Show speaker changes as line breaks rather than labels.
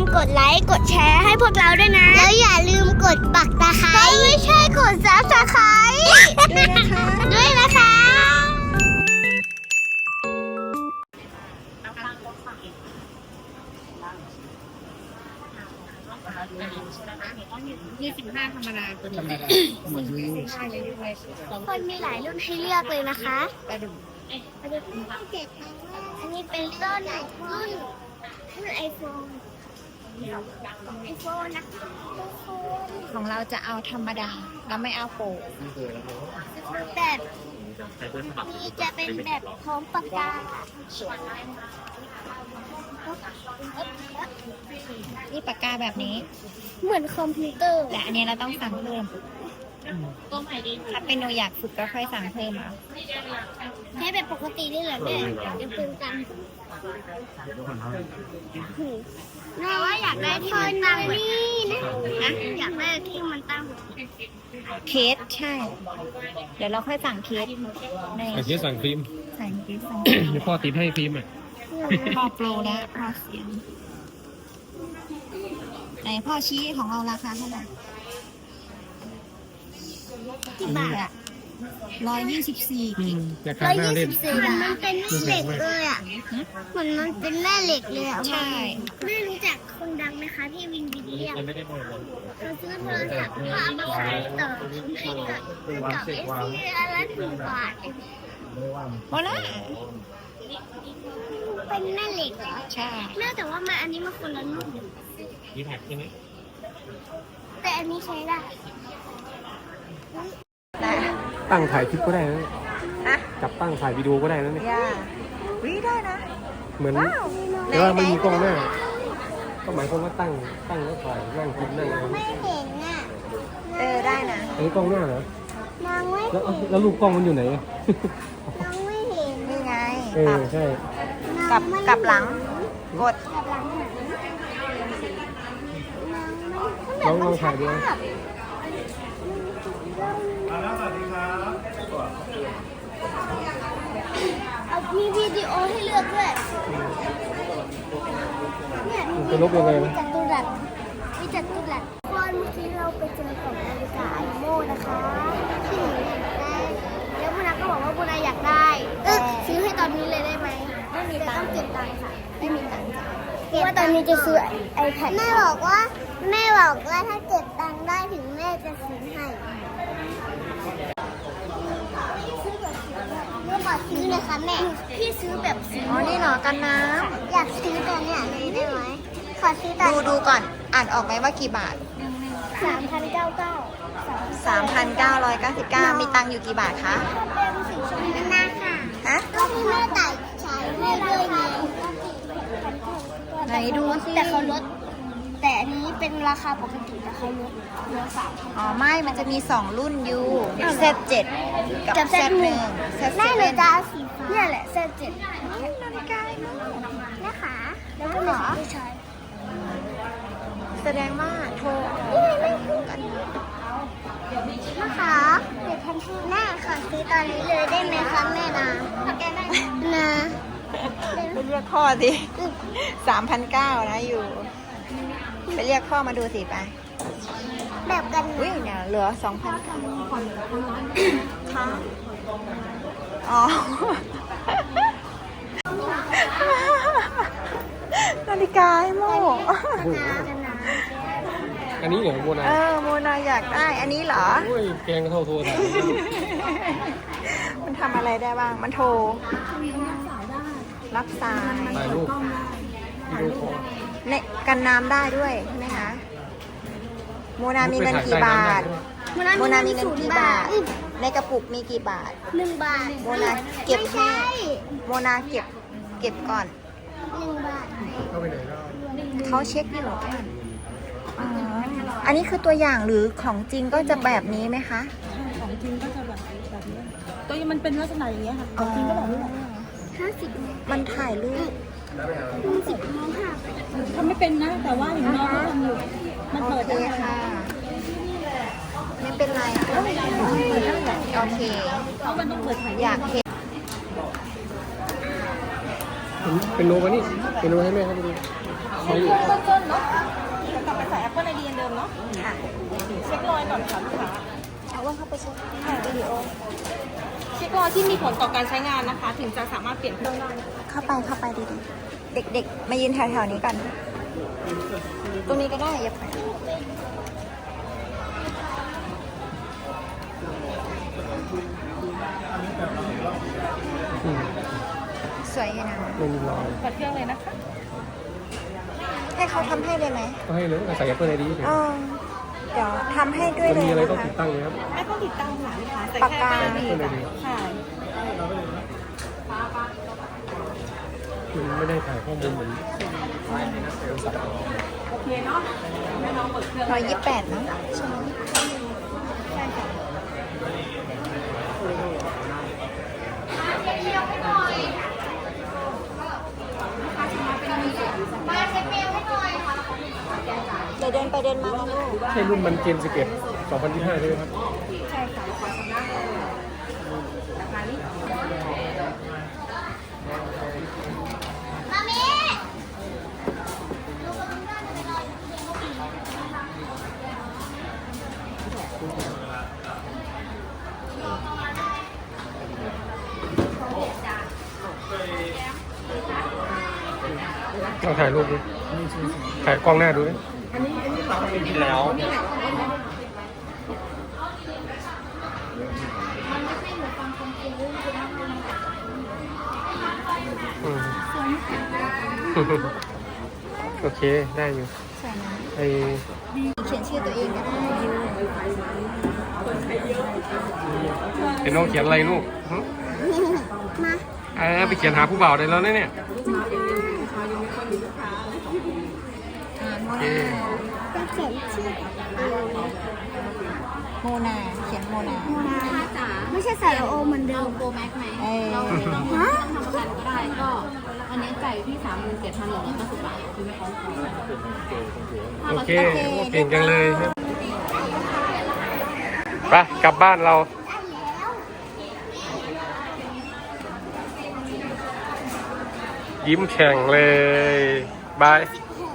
กดไลค์กดแชร์ให้พวกเราด้วยนะ แล้วอย่าลืมกดปักตะไคร้ไม่ใช่กดซับสไคร้ด้วยนะคะ
25ธรรมดาตัวนี้
คนมีหลายรุ่นให้เลือกเลยนะคะอันนี้เป็นรุ่นไอโฟนนะคะ
ของเราจะเอาธรรมดาเราไม่เอาโปะ
แบบนี้จะเป็นแบบพร้อมปากกา
นี่ปากกาแบบนี้
เหมือนคอมพิวเตอร์
แต่อันนี้เราต้องสั่งเพิ่มถ้าเป็นโนอยากฝึกก็ค่อยสั่งเพิ่มเอา
ใช้แบบปกตินี่แหละแม่จะปืนกันแต่ว่าอยากได้ที่มันตั้งนี่นะอยากได้ที่มันตั้ง
เคสใช่ เดี๋ยวเราค่อยสั่งเคสใน
เคสสั่งฟิล์ม
สั่งเคสสั่ง
เดี๋ยวพ่อติดให้ฟิล์มอ่ะ
พ่อโปรแล้วพ่อเสียงไหนพ่อชี้ของเราราคาเท่าไหร่
กี่บาท
124
ราคาหน้าเล่น
มันเป็นแม่เหล็กเลยอ่ะเหมือนมันเป็นแม่เหล็กเลยอ่ะ
ใช่
ไม่รู้จักคนดังไหมคะพี่วินวิลเลียมเขาซื้อโทรศัพท์พามาขายต่อให้กับเอซีอะไร1 บาท
โมล่า
เป็นแม่เหล็กเหรอ
ใช่
แม่แต่ว่ามันอันนี้มันคนละรุ่น
มีแท็กใช่ไหม
แต่อันนี้ใช้ได้
ตั้งถ่ายคลิปก็ได้นะจับตั้งถ่ายวิดีโอก็ได้นะเนี่ย
ได้นะ
เหมือนแต่ว่าไม่มีกล้องหน้าก็หมายความว่าตั้งแล้วถ่ายนั่งคิดนั่ง
ไม่เห็นอ่ะ
ได้นะ
อันนี้กล้องหน้าเหรอ
น้องไม่
แล้วรูปกล้องมันอยู่ไหน
น้องไม่เห็น
นี่ไง
ใช่
กลับหลังกด
น้องถ่ายด้วย
มีวิดีโอให้เลือกด้วยเนี่ย
จะลบยังไงนะ
มีจัตุรัสวันเมื่อกี้เราไปเจอของนาฬิกาไอโม่นะคะที่หนูอยากได้แล้วบุญนาก็บอกว่าบุญนาอยากได้ซื้อให้ตอนนี้เลยได้ไหมไม่มีตังค์เก็บตังค์ค่ะไม่มีตังค์จ่ายเพราะว่าตอนนี้จะซื้อiPad แม่บอกว่าถ้าเก็บตังค์ได้ถึงแม่จะซื้อให้ขอซื้อเลยค่ะแม่พี่ซื้อแบบสี
นี่เหรอกันน้
ำอยากซื้อตัวเนี้ยเลยได้ไหมขอซื้อตัว
ดูก่อนอ่านออกไหมว่ากี่บาท3,999มีตังค์อยู่กี่บาทคะ
เป็นสีชมพูนาค่ะก็ที่แม่ใส่ใช้ให้ด้วยไง
ไหนดูสิ
แต่เขาลดแต่อันนี้เป็นราคาปกติแต่เขาลดเหลือ3,000
ไม่มันจะมี2รุ่นอยู่เซต7กับเซต1
เซต7แม่หนูจะสีฟ้าเนี่ยแหละเซต7
นาฬิกา
นะคะแล้วก็เหรอใช้
แสดงว่าโทร
ไม่คู่กันนะคะเดี๋ยวทันทีแม่ขอซื้อตอนนี้เลยได้ไหมคะแม่นะ
ไปเรียกพ่อสิ 3,900นะอยู่ไปเรียกพ่อมาดูสิไป
แบบกัน
เนี่ยเหลือ 2,900ค่ะนาฬิกาไอ้โม่
อันนี้เหรอโมนา
โมนาอยากได้อันนี้เหรอ
แกงเท่าโทรศัพท์
มันทำอะไรได้บ้างมันโทรรับสาย
ถ่ายรูปวิดีโอคอล
กันน้ำได้ด้วยใช่ไหมคะโมนามีเงินกี่บาทโมนามีเงินกี่บาทในกระปุกมีกี่บาท
1 บาท
โมนาเก็บให้โมนาเก็บก่อน
1 บาท
เขาเช็คอยู่อันนี้คือตัวอย่างหรือของจริงก็จะแบบนี้ไหมคะ
ของจริงก็จะแบบนี้ตัวนี้มันเป็นลักษณะอย่างเงี้ยค่ะของจริงก็แบบนี้
50
มันถ่ายรูป
10น้องค่ะ
ทำไม่เป็นนะแต่ว่าอย่างน้องก็ทำอยู่มันเปิดได้
ค่ะไม่เป็นไรโอเค
เพราะมันต้องเปิดถ่าย
อยากเห็น
เป็นโนมานี่เป็นโนให้แม่เขาไปดูมาอยู่
เบื้องต้นเนาะแล้วกลับไปใส่ Apple ID อันเดิมเนาะ
ค่ะ
เช็ครอยก่อนค่ะลูกค้า
เอาว่าเข้าไปเช็คถ่ายวิดีโอ
เช็ครอยที่มีผลต่อการใช้งานนะคะ ถึงจะสามารถเปลี่ยนเครื่องได้
เข้าไปดีๆเด็กๆ มายืนแถวๆนี้ก่อน ตรงนี้ก็ได้อย่าไปสวยอยู่นะ
ไม่มีรอย
เปิดเครื่องเลยนะคะ
ให้เขาทำให้เลยไหม
ก็ให้เลยใส่ Apple ID เฉย
อ๋อเดี๋ยวทำให้ด้วย
มัน
เลย
มีอะไร
นะ
ต้อง
คะ
ติดตั้งเลยครับ
ไม่ต้องติดตั้งค่ะลูกค้าใส่
ปาก
แค่
กา
Apple ID ใช่
มันไม่ได้ถ่ายข้อมูลเหมือน
โอเคเนาะแม่น้องเปิดเครื่อง
128เนอะใช่ไหม
ใช่ค่ะ
เดี๋ยวเดินไปเดินมานะลูก
ใช่รุ่นมันเกม11 2025ใช่ไหมครับ
ใช่ค่ะราคานี้
มามี
เราถ่ายรูปดูถ่ายกล้องหน้าดูดิแล้ว โอเค ได้อยู่
สวยนะ
ไอ
เขียนชื่อตัวเองก็ได้
เป็นน้องเขียนอะไรลูกหึ
มา
ไปเขียนหาผู้บ่าวได้แล้วนะเนี่ย
โม
โอเค
นา
จะเขียนชื่อ
โมนาเขียนโมนา
ไม่ใช่ใส่โอเหมือนเดิม
โปรแม็กไหม
เออ
เราต้องทำประกันก็ได้ก็อันนี้จ่ายอยู่ที่ 37,190 บาทคือไม่พร้อม
โอเคโอ้เก่งจังเลยไปกลับบ้านเรา ยิ้มแข่งเลย บาย
แ